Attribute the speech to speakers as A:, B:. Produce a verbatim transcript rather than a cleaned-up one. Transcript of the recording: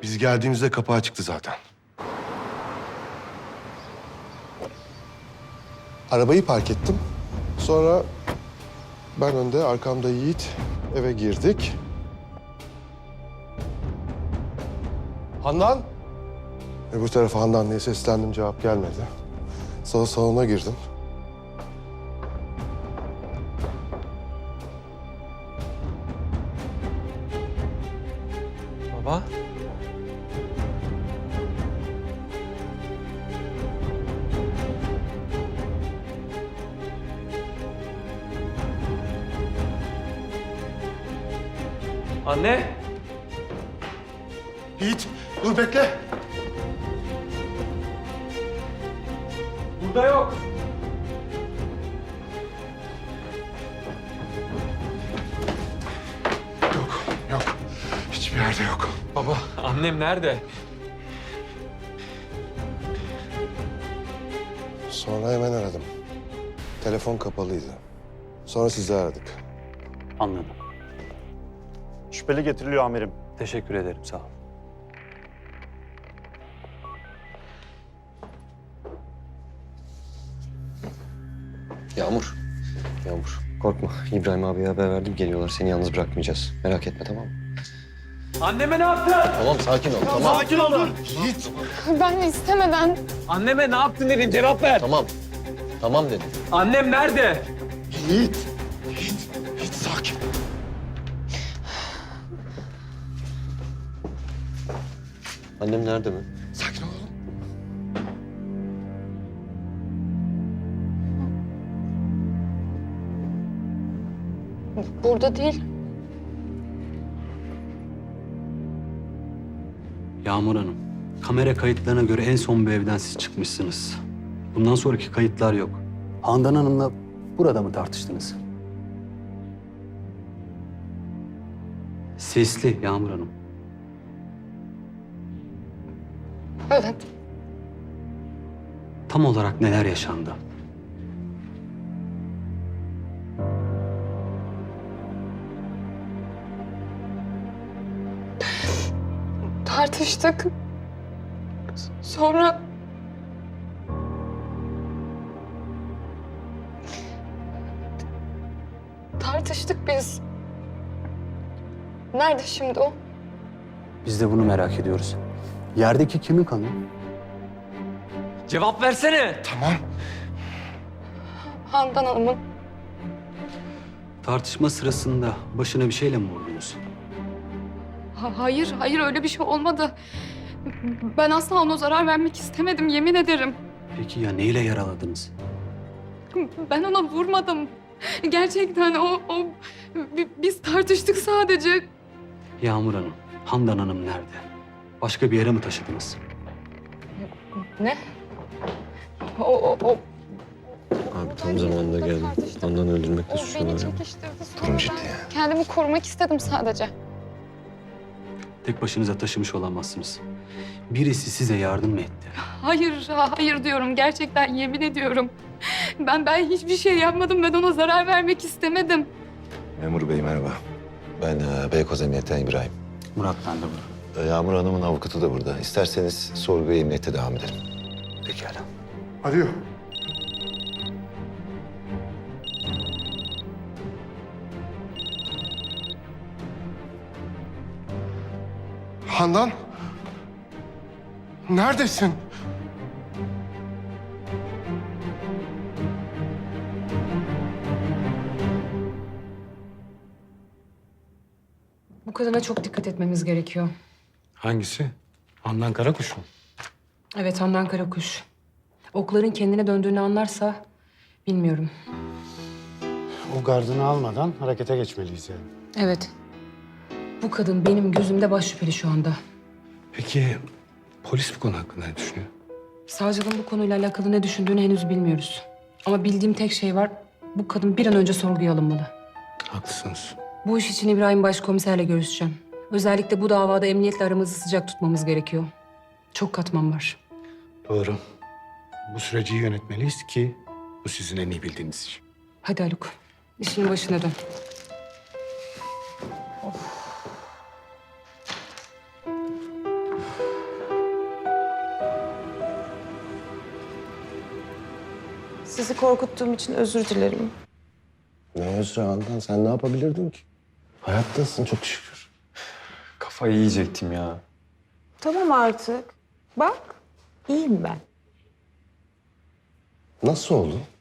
A: Biz geldiğimizde kapı açıktı zaten. Arabayı park ettim. Sonra ben önde, arkamda Yiğit. Eve girdik. Handan? Öbür tarafa Handan diye seslendim, cevap gelmedi. Sonra salona girdim.
B: Baba. Anne.
A: Yiğit, dur bekle.
B: Burada yok.
A: Yok, yok. Hiçbir yerde yok.
B: Baba, annem nerede?
A: Sonra hemen aradım. Telefon kapalıydı. Sonra sizi aradık.
C: Anladım. Şüpheli getiriliyor amirim.
B: Teşekkür ederim, sağ ol.
D: Yağmur. Yağmur. Korkma. İbrahim abiye haber verdim. Geliyorlar. Seni yalnız bırakmayacağız. Merak etme, tamam mı?
B: Anneme ne yaptın?
D: Tamam, sakin ol. Tamam.
C: Sakin olun.
A: Yiğit!
E: Ben istemeden.
B: Anneme ne yaptın dedim, cevap ver.
D: Tamam. Tamam dedim.
B: Annem nerede?
A: Yiğit! Yiğit! Yiğit sakin.
D: Annem nerede mi?
A: Sakin ol oğlum.
E: Burada değil.
C: Yağmur Hanım, kamera kayıtlarına göre en son bu evden siz çıkmışsınız. Bundan sonraki kayıtlar yok. Handan Hanım'la burada mı tartıştınız? Sesli Yağmur Hanım.
E: Evet.
C: Tam olarak neler yaşandı?
E: Tartıştık. S- Sonra... Tartıştık biz. Nerede şimdi o?
C: Biz de bunu merak ediyoruz. Yerdeki kimin kanı?
B: Cevap versene.
A: Tamam.
E: Handan Hanım'ın.
C: Tartışma sırasında başına bir şeyle mi vurdunuz?
E: Ha- hayır, hayır öyle bir şey olmadı. Ben asla ona zarar vermek istemedim, yemin ederim.
C: Peki ya neyle yaraladınız?
E: Ben ona vurmadım. Gerçekten o, o... bi- Biz tartıştık sadece.
C: Yağmur Hanım, Handan Hanım nerede? Başka bir yere mi taşıdınız?
E: Ne? O, o, o...
D: Abi tam zamanında geldim. Handan'ı öldürmekle
E: O beni
D: suçluyorlar ya.
E: çekiştirdi. Sonra
A: Durum ciddi
E: ben
A: ya.
E: kendimi korumak istedim sadece.
C: Tek başınıza taşımış olamazsınız. Birisi size yardım mı etti?
E: Hayır, hayır diyorum. Gerçekten yemin ediyorum. Ben ben hiçbir şey yapmadım. Ben ona zarar vermek istemedim.
F: Memur bey merhaba. Ben e, Beykoz Emniyet'ten İbrahim.
C: Murat ben de burada.
F: E, Yağmur Hanım'ın avukatı da burada. İsterseniz sorguya emniyette devam edelim.
C: Pekala.
A: Arıyor. Handan? Neredesin?
E: Bu kadına çok dikkat etmemiz gerekiyor.
G: Hangisi? Handan Karakuş mu?
E: Evet, Handan Karakuş. Okların kendine döndüğünü anlarsa bilmiyorum.
G: O gardını almadan harekete geçmeliyiz yani.
E: Evet. Bu kadın benim gözümde baş şüpheli şu anda.
G: Peki polis bu konu hakkında ne düşünüyor?
E: Savcılığın bu konuyla alakalı ne düşündüğünü henüz bilmiyoruz. Ama bildiğim tek şey var. Bu kadın bir an önce sorguya alınmalı.
G: Haklısınız.
E: Bu iş için İbrahim Başkomiserle görüşeceğim. Özellikle bu davada emniyetle aramızı sıcak tutmamız gerekiyor. Çok katman var.
G: Doğru. Bu süreci iyi yönetmeliyiz ki bu sizin en iyi bildiğiniz iş.
E: Hadi Haluk, işinin başına dön.
H: Sizi korkuttuğum için özür dilerim.
F: Ne özrü Handan, sen ne yapabilirdin ki? Hayattasın çok şükür.
B: Kafayı yiyecektim ya.
H: Tamam artık. Bak, iyiyim ben.
F: Nasıl oldu?